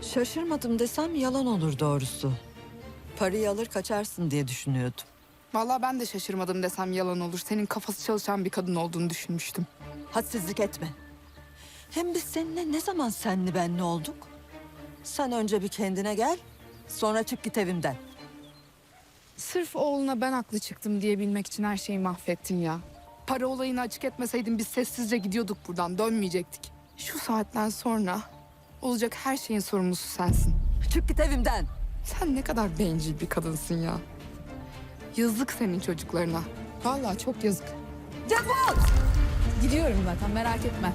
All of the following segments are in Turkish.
Şaşırmadım desem yalan olur doğrusu. Parayı alır kaçarsın diye düşünüyordum. Vallahi ben de şaşırmadım desem yalan olur. Senin kafası çalışan bir kadın olduğunu düşünmüştüm. Hadsizlik etme. Hem biz seninle ne zaman senli benli olduk? Sen önce bir kendine gel, sonra çık git evimden. Sırf oğluna ben haklı çıktım diyebilmek için her şeyi mahvettin ya. Para olayını açık etmeseydin biz sessizce gidiyorduk buradan, dönmeyecektik. Şu saatten sonra olacak her şeyin sorumlusu sensin. Çık git evimden. Sen ne kadar bencil bir kadınsın ya. Yazık senin çocuklarına. Vallahi çok yazık. Defol! Gidiyorum zaten, merak etme.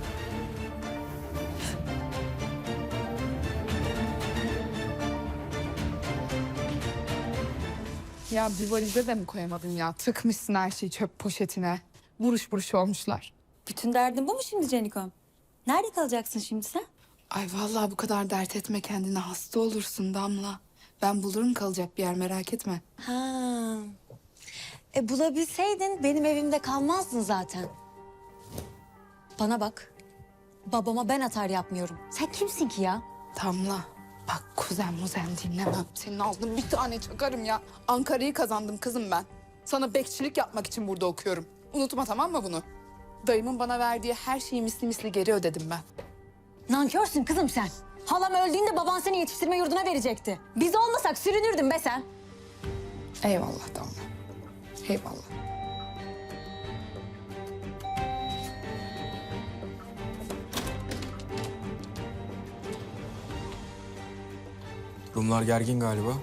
Ya bir valize de mi koyamadın ya? Tıkmışsın her şeyi çöp poşetine. Buruş buruş olmuşlar. Bütün derdin bu mu şimdi Canikom? Nerede kalacaksın şimdi sen? Ay vallahi bu kadar dert etme kendine, hasta olursun Damla. Ben bulurum kalacak bir yer, merak etme. Ha. Bulabilseydin benim evimde kalmazdın zaten. Bana bak. Babama ben atar yapmıyorum. Sen kimsin ki ya? Damla bak, kuzen muzen dinlemem. Senin ağzına bir tane çakarım ya. Ankara'yı kazandım kızım ben. Sana bekçilik yapmak için burada okuyorum. Unutma, tamam mı bunu? Dayımın bana verdiği her şeyi misli misli geri ödedim ben. Nankörsün kızım sen. Halam öldüğünde baban seni yetiştirme yurduna verecekti. Biz olmasak sürünürdün be sen. Eyvallah Damla. Eyvallah. Rumlar gergin galiba.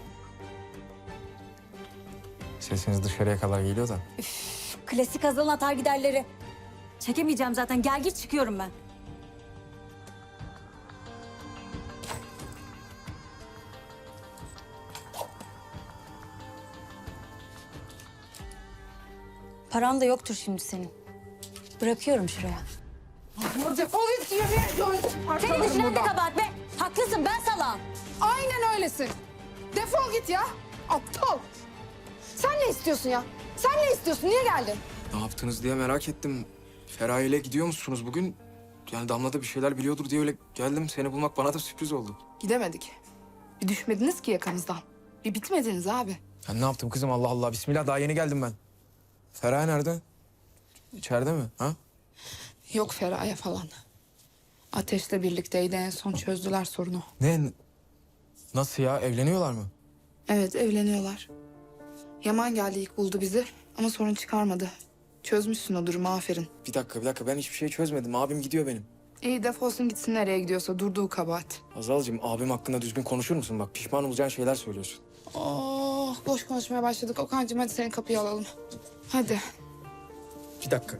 Sesiniz dışarıya kadar geliyor da. Klasik Hazal'ın atar giderleri. Çekemeyeceğim zaten. Gel gir çıkıyorum ben. Paran da yoktur şimdi senin. Bırakıyorum şuraya. Defol git yürü. Senin düşünen de kabahat be. Haklısın, ben salağım. Aynen öylesin. Defol git ya. Aptal. Sen ne istiyorsun ya? Sen ne istiyorsun? Niye geldin? Ne yaptınız diye merak ettim. Feraye ile gidiyor musunuz bugün? Yani Damla da bir şeyler biliyordur diye öyle geldim. Seni bulmak bana da sürpriz oldu. Gidemedik. Bir düşmediniz ki yakamızdan. Bir bitmediniz abi. Ben ne yaptım kızım, Allah Allah. Bismillah, daha yeni geldim ben. Feraye nerede? İçeride mi? Ha? Yok Feraye falan. Ateş'le birlikteydi, en son çözdüler sorunu. Ne? Nasıl ya? Evleniyorlar mı? Evet, evleniyorlar. Yaman geldi, ilk buldu bizi ama sorun çıkarmadı. Çözmüşsün o durumu, aferin. Bir dakika. Ben hiçbir şey çözmedim. Abim gidiyor benim. İyi, defolsun gitsin nereye gidiyorsa, durduğu kabahat. Azalcığım, abim hakkında düzgün konuşur musun? Bak, pişman olacağın şeyler söylüyorsun. Oh, boş konuşmaya başladık. Okan'cığım hadi seni kapıya alalım. Hadi. Bir dakika.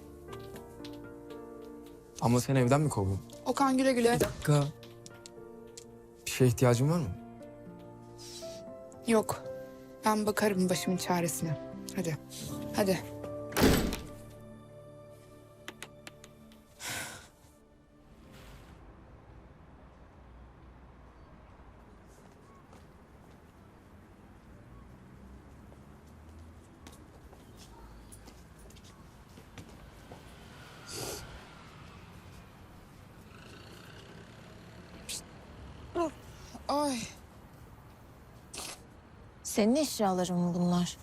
Ama sen evden mi kovdun? Okan güle güle. Dakika. Bir şeye ihtiyacın var mı? Yok. Ben bakarım başımın çaresine. Hadi. Hadi. Ay. Senin eşyaların mı bunlar?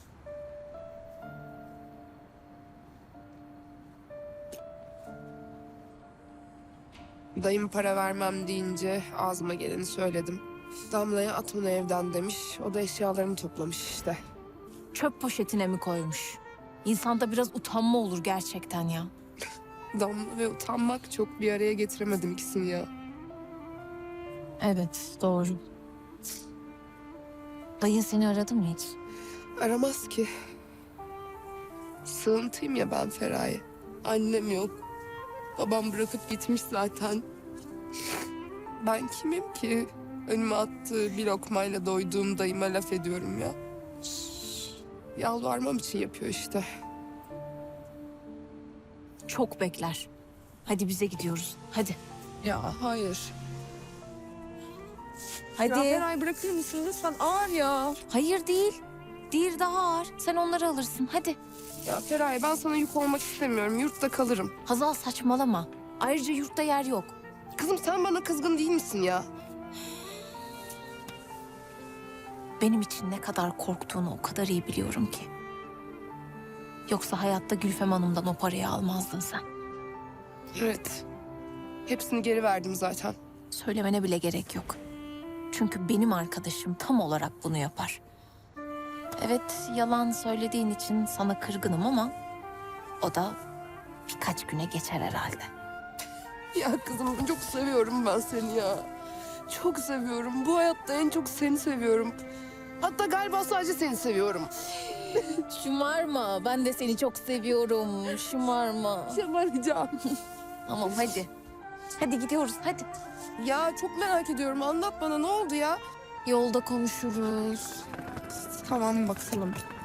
Dayım para vermem deyince ağzıma geleni söyledim. Damla'ya at bunu evden demiş. O da eşyalarını toplamış işte. Çöp poşetine mi koymuş? İnsanda biraz utanma olur gerçekten ya. Damla ve utanmak çok bir araya getiremedim ikisini ya. Evet, doğru. Dayın seni aradı mı hiç? Aramaz ki. Sığıntıyım ya ben Feraye. Annem yok. Babam bırakıp gitmiş zaten. Ben kimim ki? Önüme attığı bir lokmayla doyduğum dayıma laf ediyorum ya. Yalvarmam için yapıyor işte. Çok bekler. Hadi bize gidiyoruz. Hadi. Ya hayır. Hadi. Ya Feray bırakır mısın lütfen? Ağır ya. Hayır değil. Diğeri daha ağır. Sen onları alırsın. Hadi. Ya Feraye ben sana yük olmak istemiyorum. Yurtta kalırım. Hazal saçmalama. Ayrıca yurtta yer yok. Kızım sen bana kızgın değil misin ya? benim için ne kadar korktuğunu o kadar iyi biliyorum ki. Yoksa hayatta Gülfem Hanım'dan o parayı almazdın sen. Evet. Hepsini geri verdim zaten. Söylemene bile gerek yok. Çünkü benim arkadaşım tam olarak bunu yapar. Evet, yalan söylediğin için sana kırgınım ama o da birkaç güne geçer herhalde. Ya kızım çok seviyorum ben seni ya. Çok seviyorum. Bu hayatta en çok seni seviyorum. Hatta galiba sadece seni seviyorum. Şımarma, ben de seni çok seviyorum. Şımarma. Şamaracağım. Tamam hadi. Hadi gidiyoruz, hadi. Ya çok merak ediyorum. Anlat bana ne oldu ya? Yolda konuşuruz. Tamam bakalım.